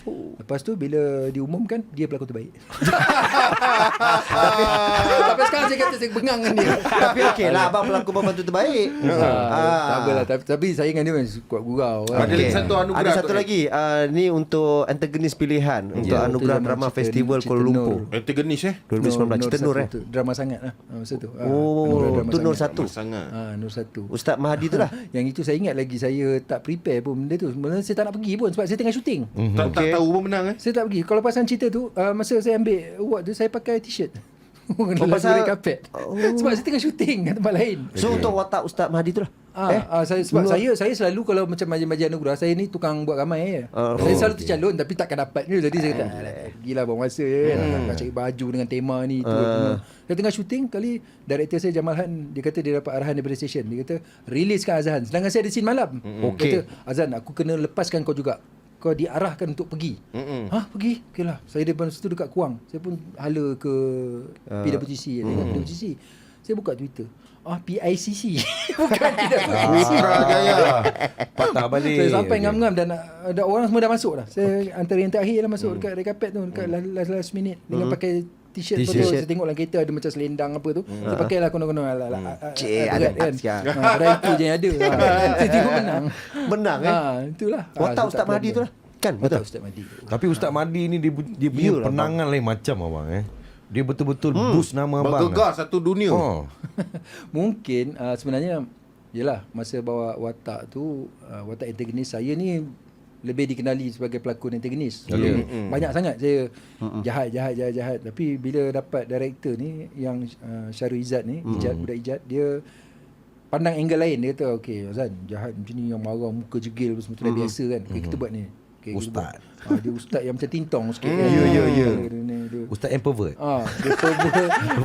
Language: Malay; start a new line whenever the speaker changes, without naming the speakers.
Lepas tu bila diumumkan, dia pelakon terbaik. Tapi sekarang saya kata saya bengang dengan dia.
Tapi okey lah, abang pelakon pembantu terbaik.
Tak apalah, tapi saya dengan dia memang kuat gurau.
Ada lagi satu anugerah.
Ada satu lagi. Ni untuk antagonis pilihan untuk anugerah drama festival Kuala Lumpur
Antagonis
2019. Cerita Nur
Drama sangat lah masa tu.
tu Nur 1.
sangat.
Nur 1.
Ustaz Mahdi tu lah.
Yang itu saya ingat lagi, saya tak prepare pun benda tu. Sebenarnya saya tak nak pergi pun sebab saya tengah syuting.
Tak tahu pun menang
Saya tak pergi. Kalau pasal cerita tu, masa saya ambil award tu, saya pakai t-shirt.
pasal-
red carpet. Sebab saya tengah syuting kat tempat lain.
So untuk watak Ustaz Mahdi tu lah.
Saya selalu kalau macam majlis anugerah, saya ni tukang buat ramai je. Saya selalu tercalon tapi takkan dapat ni. Jadi saya kata pergilah buang masa je kan. Nak cari baju dengan tema ni tu. Saya tengah syuting kali, director saya Jamal Han, dia kata dia dapat arahan daripada stesen. Dia kata riliskan Azhan. Sedangkan saya ada scene malam.
Okey.
Kata Azhan, aku kena lepaskan kau juga. Kau diarahkan untuk pergi. Pergi? Okey lah. Saya daripada situ dekat Kuang. Saya pun hala ke PWTC. PWTC. Saya buka Twitter. PICC. Bukan PWTC.
Patah balik.
Saya sampai ngam-ngam dan ada orang semua dah masuk dah. Saya antara yang terakhir lah masuk dekat red carpet tu, dekat last minute dengan pakai t-shirt tu. Saya tengok dalam kereta ada macam selendang apa tu. Saya pakai lah konon-konon
Ada
kan.
siap.
Pada itu je yang ada. Saya tengok menang.
Menang
Itulah.
Watak Ustaz Mahdi tu lah. Kan betul.
Ustaz Mahdi.
Tapi Ustaz Mahdi ni dia punya
Yalah,
penangan lain macam abang Dia betul-betul boost nama abang.
Bergegar satu dunia.
Mungkin sebenarnya yelah, masa bawa watak tu, watak antagonis saya ni lebih dikenali sebagai pelakon antagonis. Banyak sangat saya jahat. Tapi bila dapat director ni yang Syarul Izzat ni, budak Ijat, dia pandang angle lain. Dia kata okey Azhan, jahat macam ni yang marah muka jegil semua tu dah biasa kan. Kita buat ni.
Ustaz.
Dia ustaz yang macam tintong sikit kan.
Ya.
Dia
Ustaz yang pervert.
dia pervert.